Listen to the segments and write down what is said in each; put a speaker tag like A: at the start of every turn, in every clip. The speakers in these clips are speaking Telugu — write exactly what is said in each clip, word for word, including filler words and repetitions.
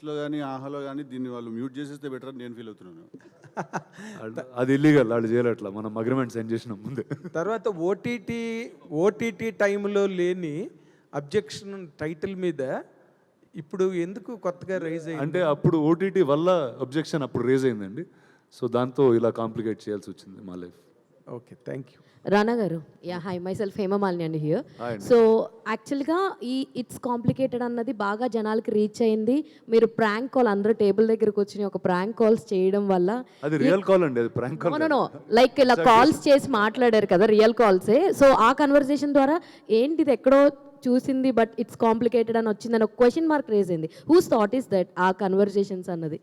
A: నెట్ఫ్లిక్స్లో కానీ ఆహాలో కానీ దీన్ని వాళ్ళు మ్యూట్ చేసేస్తే బెటర్ అని నేను ఫీల్ అవుతున్నాను.
B: అది ఇల్లీగల్, వాళ్ళు చేయలేట్లా, మనం అగ్రిమెంట్ సైన్ చేసిన ముందే.
C: తర్వాత ఓటీటీ ఓటీటీ టైంలో లేని అబ్జెక్షన్ టైటిల్ మీద ఇప్పుడు ఎందుకు కొత్తగా రైజ్ అయ్యింది?
B: అంటే అప్పుడు ఓటీటీ వల్ల అబ్జెక్షన్ అప్పుడు రేజ్ అయిందండి. సో దాంతో ఇలా కాంప్లికేట్ చేయాల్సి వచ్చింది మా life.
C: Okay, thank you.
D: Rana garu, yeah hi, myself Hemamalini అండి హియర్. సో యాక్చువల్గా ఈ ఇట్స్ కాంప్లికేటెడ్ అన్నది బాగా జనాలకి రీచ్ అయింది. మీరు ప్రాంక్ కాల్, అందరూ టేబుల్ దగ్గరకు వచ్చి ఒక ప్రాంక్ కాల్స్ చేయడం వల్ల,
B: అది రియల్ కాల్ అండి, అది ప్రాంక్ కాల్.
D: నో లైక్ ఇలా కాల్స్ చేసి మాట్లాడారు కదా, రియల్ కాల్సే. సో ఆ కన్వర్సేషన్ ద్వారా ఏంటి ఇది ఎక్కడో చూసింది బట్ ఇట్స్ కాంప్లికేటెడ్ అని వచ్చిందని ఒక క్వశ్చన్ మార్క్ రేజ్ అయింది. హూస్ థాట్ ఈస్ దట్ ఆ కన్వర్సేషన్స్ అన్నది?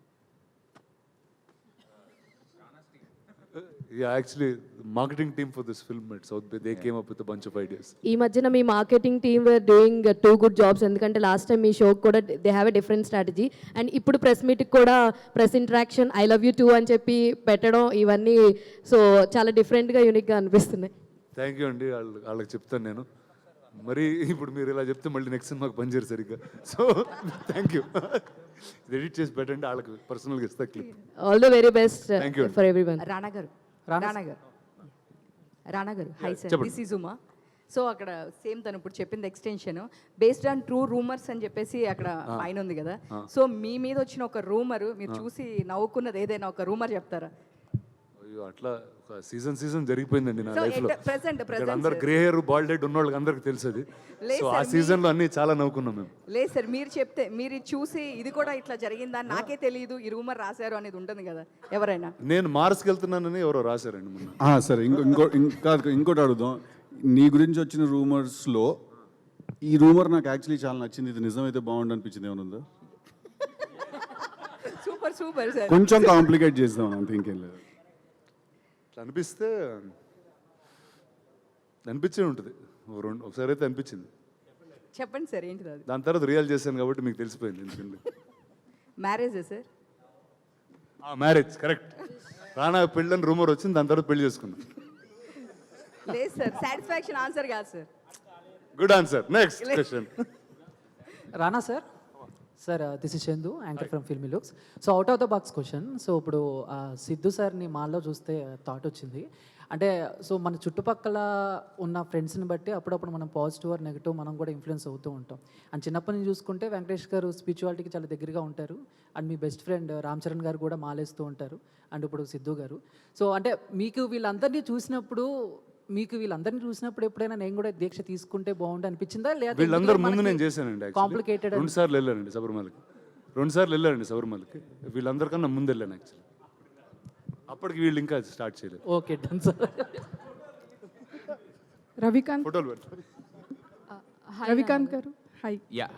B: Yeah, actually, marketing team for this film at South Bay, they came up with a bunch of ideas.
D: ఈ మధ్యన మీ marketing team were doing too good jobs. ఎందుకంటే లాస్ట్ టైం మీ షోకి కూడా they have a different strategy. And ఇప్పుడు ప్రెస్ మీట్కి కూడా press interaction I love you too అని చెప్పి పెట్టడం, ఇవన్నీ సో చాలా డిఫరెంట్గా యూనిక్గా అనిపిస్తున్నాయి.
B: థ్యాంక్ యూ అండి, వాళ్ళ వాళ్ళకి చెప్తాను నేను. మరి ఇప్పుడు మీరు ఇలా చెప్తే మళ్ళీ నెక్స్ట్ సినిమాకి పనిచేయరు సరిగ్గా. So thank you. ఎడిట్ చేసి పెట్టండి, వాళ్ళకి పర్సనల్గా ఇస్తా clip.
D: All the very best for everyone.
E: Rana garu, Rana garu, Rana garu, hi sir, this is Uma. So అక్కడ సేమ్ తను ఇప్పుడు చెప్పింది extension based on true rumours అని చెప్పేసి అక్కడ పైన ఉంది కదా. సో మీ మీద వచ్చిన ఒక రూమర్ మీరు చూసి నవ్వుకున్నది ఏదైనా ఒక రూమర్ చెప్తారా?
B: అయ్యో, అట్లా ఒక సీజన్ సీజన్ జరిగిపోయిందండి నా లైఫ్లో.
E: ప్రెసెంట్ ప్రెసెంట్
B: అందరు గ్రే హెయిర్ బాల్డ్ హెడ్ ఉన్న వాళ్ళకి అందరికి తెలుసు అది. సో ఆ సీజన్లో అన్ని చాలా నవ్వుకున్నాం మేము.
E: లేదు సార్, మీరు చెప్తే మీరు చూసి ఇది కూడా ఇట్లా జరిగిందా నాకే తెలియదు, ఈ రూమర్ రాశారు అనేది ఉంటుంది కదా ఎవరైనా.
B: నేను మార్స్కి వెళ్తున్నానని ఎవరో రాశారండి మొన్న.
A: సరే, ఇంకో ఇంకో ఇంకా ఇంకోటి అడుగుదాం. నీ గురించి వచ్చిన రూమర్స్లో ఈ రూమర్ నాకు యాక్చువల్లీ చాలా నచ్చింది, ఇది నిజమైతే బాగుండు అనిపించింది ఏమైనా ఉందా?
E: Super super sir.
A: కొంచెం కాంప్లికేట్ చేద్దాం అంతే, ఇంకేం లేదు.
B: అనిపిస్తే అనిపించే ఉంటుంది, రెండు ఒకసారి అయితే అనిపించింది.
E: చెప్పండి సార్ ఏంటిది అది?
B: దాని తర్వాత రియల్ చేశాను కాబట్టి మీకు తెలిసిపోయింది ఎందుకండి.
E: మ్యారేజే సార్?
B: Marriage correct. రానా పెళ్ళని రూమర్ వచ్చింది, దాని తర్వాత పెళ్లి చేసుకున్నాం.
E: లేదు సార్, సాటిస్ఫాక్షన్ ఆన్సర్ కాదు sir.
B: Good answer. Next question.
F: Rana sir, sir this is Chandu, anchor from Filmy Looks. So out of the box question. So ఇప్పుడు సిద్ధు సార్ని మాల్లో చూస్తే థాట్ వచ్చింది, అంటే సో మన చుట్టుపక్కల ఉన్న ఫ్రెండ్స్ని బట్టి అప్పుడప్పుడు మనం పాజిటివ్ ఆర్ నెగిటివ్ మనం కూడా ఇన్ఫ్లుయెన్స్ అవుతూ ఉంటాం. అండ్ చిన్నప్పటి నుంచి చూసుకుంటే వెంకటేష్ గారు స్పిరిచువాలిటీకి చాలా దగ్గరగా ఉంటారు. అండ్ మీ బెస్ట్ ఫ్రెండ్ రామ్ చరణ్ గారు కూడా మాలేస్తూ ఉంటారు. అండ్ ఇప్పుడు సిద్ధు గారు. సో అంటే మీకు వీళ్ళందరినీ చూసినప్పుడు మీకు వీళ్ళందరినీ చూసినప్పుడు ఎప్పుడైనా నేను కూడా దీక్ష తీసుకుంటే బాగుండు అనిపించిందా? లేదా
B: వీళ్ళందరి ముందు నేను చేశానండి.
F: కాంప్లికేటెడ్.
B: రెండు సార్లు వెళ్ళానండి శబరిమలకి, రెండు సార్లు వెళ్ళానండి శబరిమలకి. వీళ్ళందరికన్నా ముందు వెళ్ళాను యాక్చువల్లీ. అప్పటికి వీళ్ళు ఇంకా స్టార్ట్ చేయలేదు.
F: Okay done sir.
G: రవికాంత్,
B: ఫోటోలు పెట్టారు.
G: రవికాంత్ గారు, హై.
H: యా